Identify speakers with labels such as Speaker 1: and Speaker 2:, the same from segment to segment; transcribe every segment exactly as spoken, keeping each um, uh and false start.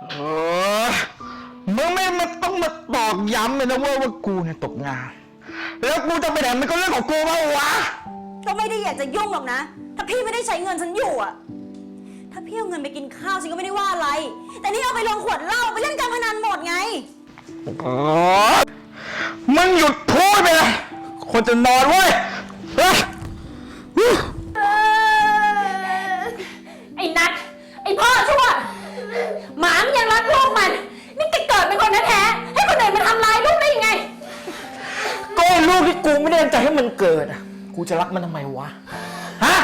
Speaker 1: เออมึงไม่มาต้องมาตอกย้ำเลยนะว่าว่ากูเนี่ยตกงานแล้วกูจะไปไหนมันก็เรื่องของกูเปล่าวะ
Speaker 2: ก็ไม่ได้อยากจะยุ่งหรอกนะถ้าพี่ไม่ได้ใช้เงินฉันอยู่อะถ้าพี่เอาเงินไปกินข้าวฉันก็ไม่ได้ว่าอะไรแต่นี่เอาไปลงขวดเหล้าไปเล่นการพนันหมดไง
Speaker 1: เออมึงหยุดพูดไปเลยคนจะนอนเว้ย
Speaker 3: ไอ้นัทไอ้พ่อชั่วหมามันยังรักลูกมันนี่แกเกิดเป็นคนแท้ๆให้คนอื่นมาทำร้ายลูกได้ยังไง
Speaker 1: ก็ลูกที่กูไม่ได้ตั้งใจให้มันเกิดอ่ะกูจะรักมันทำไมวะฮะ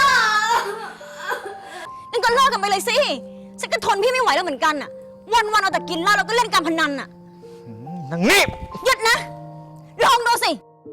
Speaker 2: งั้นก็เลิกกันไปเลยสิฉันก็ทนพี่ไม่ไหวแล้วเหมือนกันอ่ะวันๆเอาแต่กินเหล้าแล้วก็เล่นการพนันอ่ะ
Speaker 1: นางนี่
Speaker 2: หยุดนะลองดูสิ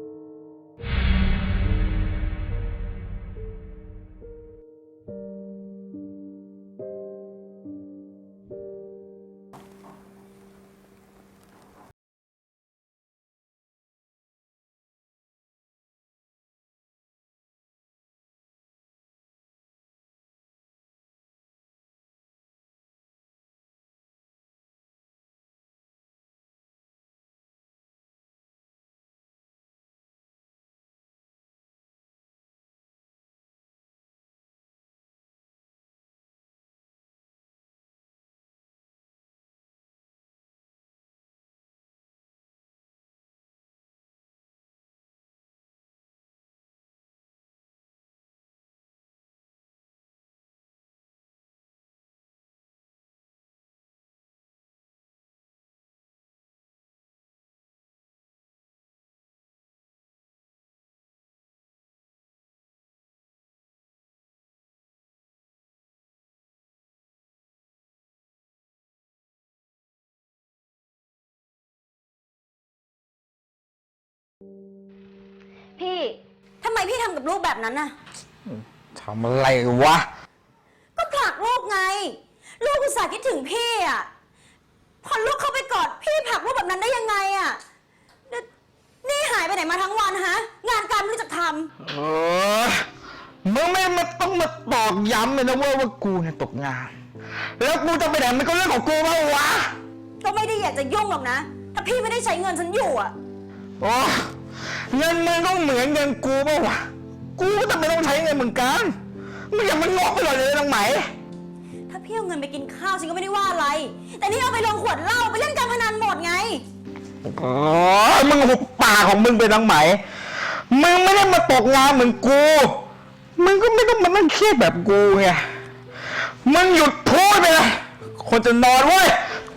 Speaker 2: พี่ทำไมพี่ทำกับลูกแบบนั้นน่ะ
Speaker 1: ทำอะไรวะ
Speaker 2: ก็ผลักลูกไงลูกอุตส่าห์คิดถึงพี่อ่ะพอลูกเข้าไปกอดพี่ผลักลูกแบบนั้นได้ยังไงอ่ะนี่หายไปไหนมาทั้งวันฮะงานการไม่รู้จักท
Speaker 1: ำเออมึงไม่มาต้องมาตอกย้ำเลยนะว่าว่ากูเนี่ยตกงานแล้วกูจะไปไหนมันก็เรื่องของกูเปล่าวะ
Speaker 2: ก็ไม่ได้อยากจะยุ่งหรอกนะถ้าพี่ไม่ได้ใช้เงินฉันอยู่อ่ะ
Speaker 1: โอ้เงินมึงต้องเหมือนเงินกูเปล่าวะกูก็จะไม่ต้องใช้เงินเหมือนกันมึงอย่ามันงอกไปหน่อยเลยนางไหม
Speaker 2: ถ้าพี่เอาเงินไปกินข้าวฉันก็ไม่ได้ว่าอะไรแต่นี่เอาไปลงขวดเหล้าไปเล่นการพนันหมดไง
Speaker 1: อ๋อมึงหุบปากของมึงไปนางไหมมึงไม่ได้มาตกงานเหมือนกูมึงก็ไม่ต้องมานั่งเครียดแบบกูไงมึงหยุดพูดไปเลยคนจะนอนเว้ย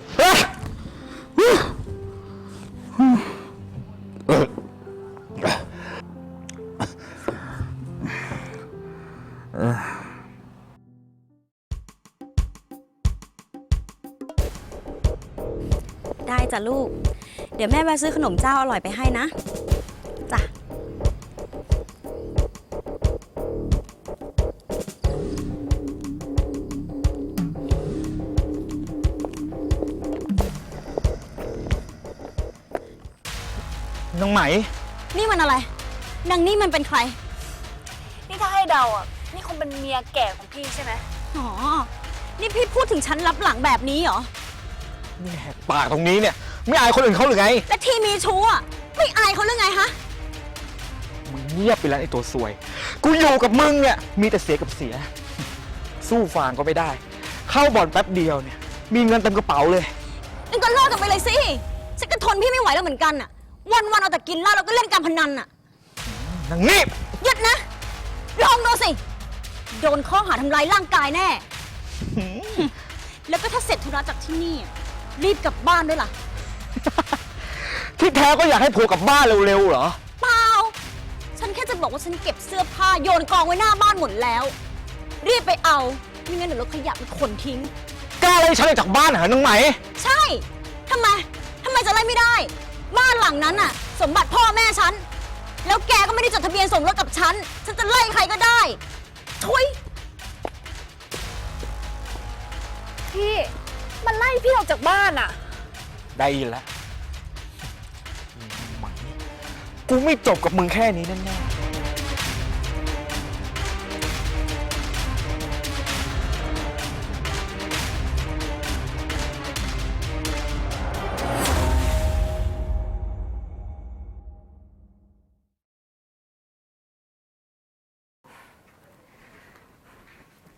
Speaker 2: ได้จ้ะลูกเดี๋ยวแม่แวะซื้อขนมเจ้าอร่อยไปให้นะจ้ะ
Speaker 1: นางไหม
Speaker 2: นี่มันอะไรนางนี่มันเป็นใคร
Speaker 3: นี่ถ้าให้เดาอ่ะนี่คงเป็นเมียแก่ของพี่ใช่ไหม
Speaker 2: อ๋อนี่พี่พูดถึงฉันรับหลังแบบนี้เหรอ
Speaker 1: นี่แหกปากตรงนี้เนี่ยไม่อายคนอื่นเขาหรือไง
Speaker 2: และที่มีชู้อ่ะไม่อายเขาหรือไงฮะ
Speaker 1: มึงเงียบไปแล้วไอ้ตัวซวยกูอยู่กับมึงเนี่ยมีแต่เสียกับเสียสู้ฟางก็ไม่ได้เข้าบ่อนแป๊บเดียวเนี่ยมีเงินเต็มกระเป๋าเลย
Speaker 2: งั้นก็เลิกกันไปเลยสิฉันก็ทนพี่ไม่ไหวแล้วเหมือนกันอ่ะวันๆเอาแต่กินเหล้าแล้วก็เล่นการพนันอ่ะ
Speaker 1: นางนี่
Speaker 2: หยุดนะลองดูสิโดนข้อหาทำลายร่างกายแน่แล้วก็ถ้าเสร็จธุระจากที่นี่รีบกลับบ้านด้วยล่ะ
Speaker 1: ที่แท้ก็อยากให้ผัวกลับบ้านเร็วๆเหรอ
Speaker 2: เปล่าฉันแค่จะบอกว่าฉันเก็บเสื้อผ้าโยนกองไว้หน้าบ้านหมดแล้วรีบไปเอาไม่งั้นเดี๋ยวรถขยะมันขนทิ้ง
Speaker 1: กล้าไล่ฉันออกจากบ้านเหรอน้องไหม
Speaker 2: ใช่ทำไมทำไมจะไล่ไม่ได้บ้านหลังนั้นน่ะสมบัติพ่อแม่ฉันแล้วแกก็ไม่ได้จดทะเบียนสมรสกับฉันฉันจะไล่ใครก็ได้ทุย
Speaker 3: พี่มันไล่พี่ออกจากบ้านอ่ะ
Speaker 1: ได้ยินแล้วกูไม่จบกับมึงแค่นี้แน่ๆ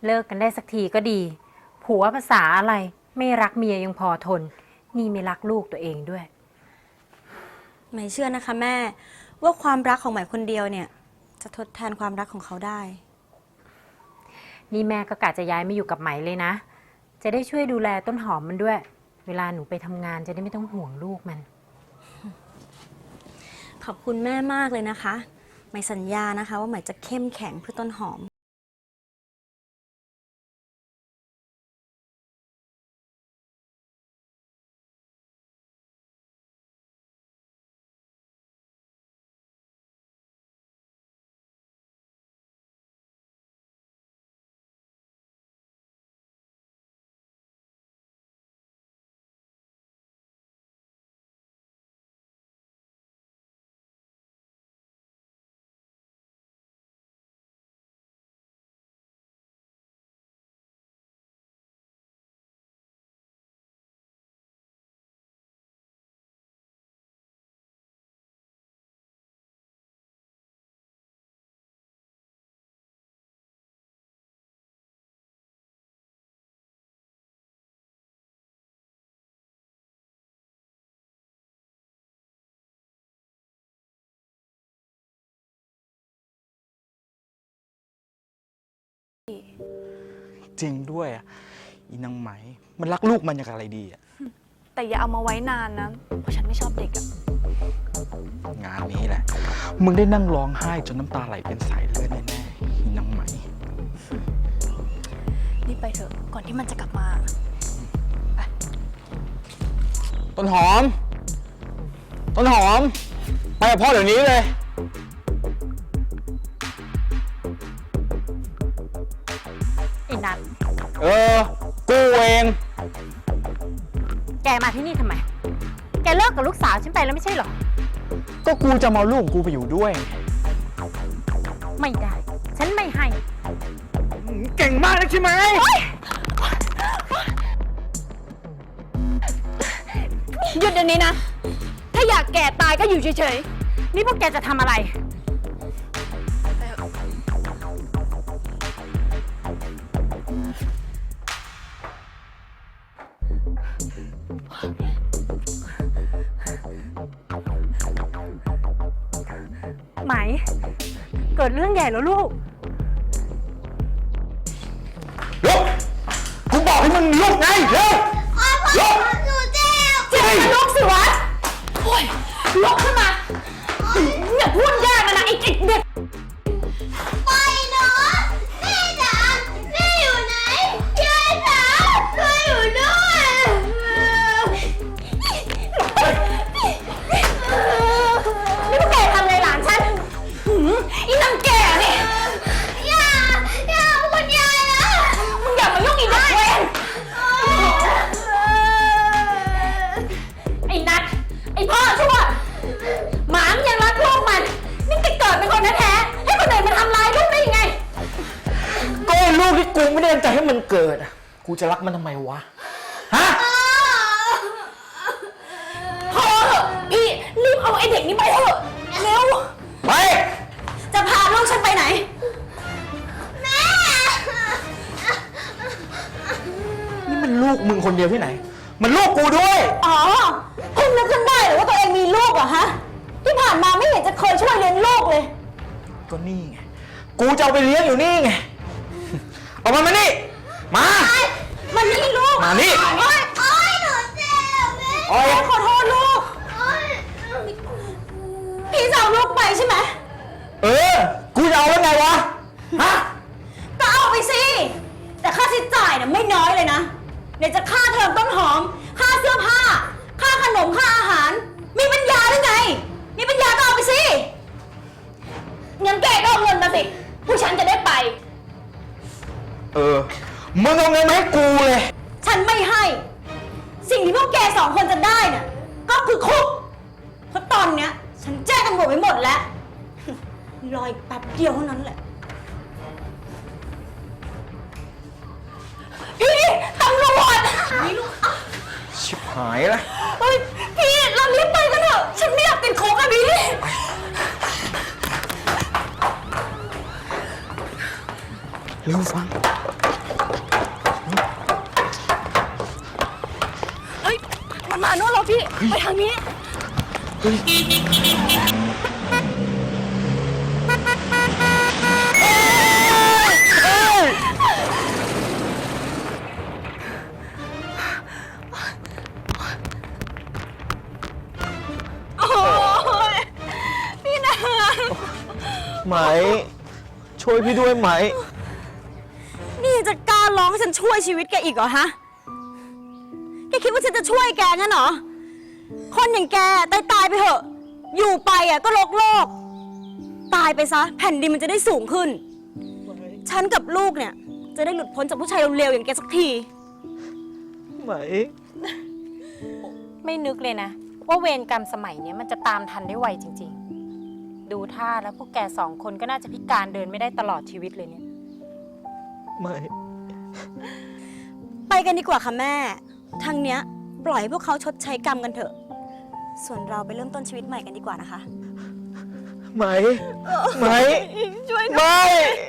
Speaker 3: เลิกกันได้สักทีก็ดี ผัวภาษาอะไรไม่รักเมียยังพอทน นี่ไม่รักลูกตัวเองด้วย
Speaker 2: ใหม่เชื่อนะคะแม่ว่าความรักของใหม่คนเดียวเนี่ยจะทดแทนความรักของเขาได้
Speaker 3: นี่แม่ก็กะจะย้ายมาอยู่กับไหมเลยนะ จะได้ช่วยดูแลต้นหอมมันด้วย เวลาหนูไปทำงานจะได้ไม่ต้องห่วงลูกมัน
Speaker 2: ขอบคุณแม่มากเลยนะคะใหม่สัญญานะคะว่าใหม่จะเข้มแข็งเพื่อต้นหอม
Speaker 1: จริงด้วยอ่ะอีนางไหมมันรักลูกมันอย่างอะไรดีอ่ะ
Speaker 4: แต่อย่าเอามาไว้นานนะ เพราะฉันไม่ชอบเด็กอะ
Speaker 1: งานนี้แหละมึงได้นั่งร้องไห้จนน้ำตาไหลเป็นสายเลือดแน่ๆอีนางไหม
Speaker 4: รีบไปเถอะ ก่อนที่มันจะกลับมา
Speaker 1: ต้นหอม ต้นหอม ไปกับพ่อเดี๋ยวนี้เลย
Speaker 3: ไอ้นัท
Speaker 1: เออ กูเอง
Speaker 3: แกมาที่นี่ทำไม แกเลิกกับลูกสาวฉันไปแล้วไม่ใช่เหรอ
Speaker 1: ก็กูจะมาเอาลูกของกูไปอยู่ด้วย
Speaker 3: ไม่ได้ ฉันไม่ให้
Speaker 1: เก่งมากนะใช่ไหม
Speaker 4: หยุดเดี๋ยวนี้นะ ถ้าอยากแก่ตายก็อยู่เฉย
Speaker 3: นี่พวกแกจะทำอะไร ไหม เกิดเรื่องใหญ่แล้วลูก
Speaker 1: ลุก กูบอกให้มึงลุกไงเร็วลุก
Speaker 2: หนูเจ็บ
Speaker 3: เจ็บมันลุกสิวะโอ้ยลุกขึ้นมาอย่าพูดยากนะนะไอ้เด็ก
Speaker 2: ไปเนาะแม่จ๋าแม่อยู่ไหนยายจ๋าช่วยอยู่ด้วย
Speaker 3: นี่พวกแกทำอะไรหลานฉันหืมอีนางแก่นี่
Speaker 2: ย่าย่าคุณยายนะ
Speaker 3: มึงอย่ามายุ่งอีกนะเวนไอ้นัทไอ้พ่อชั่วหมามันยังรักลูกมันนี่แกเกิดเป็นคนแท้ๆให้คนอื่นมาทำร้ายลูกได้ยังไง
Speaker 1: ก็ไอ้ลูกที่กูไม่ได้ตั้งใจให้มันเกิดอะกูจะรักมันทำไมวะ ฮะ
Speaker 3: พอเถอะพี่รีบเอาไอ้เด็กนี้ไปเถอะเร็ว
Speaker 1: ไป
Speaker 2: จะพาลูกฉันไปไหน แม่
Speaker 1: นี่มันลูกมึงคนเดียวที่ไหน มันลูกกูด้วย
Speaker 2: อ๋อเพิ่งนึกขึ้นได้เหรือว่าตัวเองมีลูกเหรอะฮะ ที่ผ่านมาไม่เห็นจะเคยช่วยเลี้ยงลูกเลย
Speaker 1: ก็นี่ไง กูจะเอาไปเลี้ยงอยู่นี่ไง เอามันมานี่ มา
Speaker 2: มันนี่ลูก
Speaker 1: มานี่
Speaker 2: โอ๊ยโอ๊ยหนูเจ็บแม่
Speaker 1: โอ๊ย
Speaker 2: แม่ขอโทษลูกโอ๊ยพี่จะเอาลูกไปใช่ไหม
Speaker 1: เออ กูจะเอาแล้วไงวะ ฮะ
Speaker 2: ก็เอาไปสิ แต่ค่าใช้จ่ายเนี่ยไม่น้อยเลยนะเดี๋ยวจะค่าเทอมต้นหอม ค่าเสื้อผ้า ค่าขนม ค่าอาหาร มีปัญญาหรือไง มีปัญญาก็เอาไปสิ
Speaker 4: งั้นแกก็เอาเงินมาสิ ผู้ฉันจะได้ไป
Speaker 1: เออ มึงเอาเงินมาให้กูเลย
Speaker 2: ฉันไม่ให้ สิ่งที่พวกแกสองคนจะได้เนี่ยก็คือคุก เพราะตอนเนี้ย ฉันแจ้งตำรวจไว้หมดแล้ว รออีกแป๊บเดียวเท่านั้นแหละ
Speaker 3: พี่ตำรวจ
Speaker 2: นี่ลูก
Speaker 1: ชิบหายละ
Speaker 2: เฮ้ยพี่เรารีบไปกันเถอะ ฉันไม่อยากติดคุกอะพี่
Speaker 1: เร็วฟัง
Speaker 4: ฮ้ย มันมาโน่นแล้วพี่ ไปทางนี้ โอ้ยพี่นา
Speaker 5: ไหม ช่วยพี่ด้วยไหม
Speaker 2: นี่จะกล้าร้องให้ฉันช่วยชีวิตแกอีกเหรอฮะ แกคิดว่าฉันจะช่วยแกงั้นเหรอ คนอย่างแกตายตายๆไปเถอะ อยู่ไปอ่ะก็โลกโลก ตายไปซะ แผ่นดินมันจะได้สูงขึ้น ฉันกับลูกเนี่ย จะได้หลุดพ้นจากผู้ชายเร็วๆอย่างแกสักที
Speaker 5: ไหม
Speaker 3: ไม่นึกเลยนะ ว่าเวรกรรมสมัยเนี้ยมันจะตามทันได้ไวจริงๆ ดูท่าแล้วพวกแกสองคนก็น่าจะพิการเดินไม่ได้ตลอดชีวิตเลยเนี่ย
Speaker 5: ไหม
Speaker 2: ไปกันดีกว่าค่ะแม่ ทางเนี้ยปล่อยให้พวกเขาชดใช้กรรมกันเถอะ ส่วนเราไปเริ่มต้นชีวิตใหม่กันดีกว่านะคะ
Speaker 5: ไหม ไหม
Speaker 2: ช่วย
Speaker 5: ไหม